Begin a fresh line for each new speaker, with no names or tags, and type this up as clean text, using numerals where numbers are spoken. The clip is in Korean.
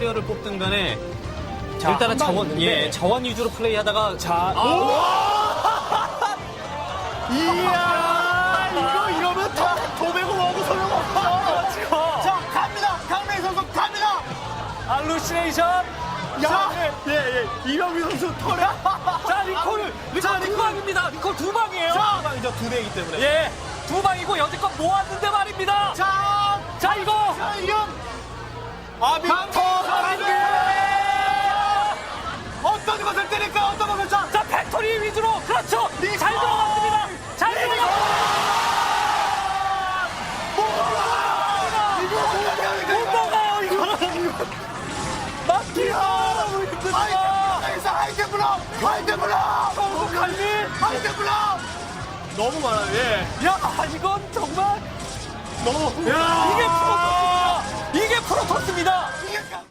캐리어를 뽑든 간에
자,
일단은
한방 있는데.
자원 위주로 플레이하다가
자,
이야, 이러면 도배고 뭐고 소용없어.
지금
자, 갑니다. 강민 선수 갑니다.
알루시네이션.
야, 예. 이병민 선수 털에.
자, 리콜 두 방입니다. 리콜 두 방이에요.
자, 방이죠. 두 대이기 때문에.
예, 두 방이고 여태껏 모았는데 말입니다. 자, 이거
이건 아비터 어떤 것을 때릴까? 어떤 것을 자.
자, 팩토리 위주로 그렇죠. 잘 들어갔습니다. 잘 들어갔습니다. 못 먹어요 이거는. 막기가 너무 힘듭니다.
하이템블럭 너무 많아요. 예.
야, 이건 정말
너무
이게 프로토스입니다. 이게 프로토스입니다.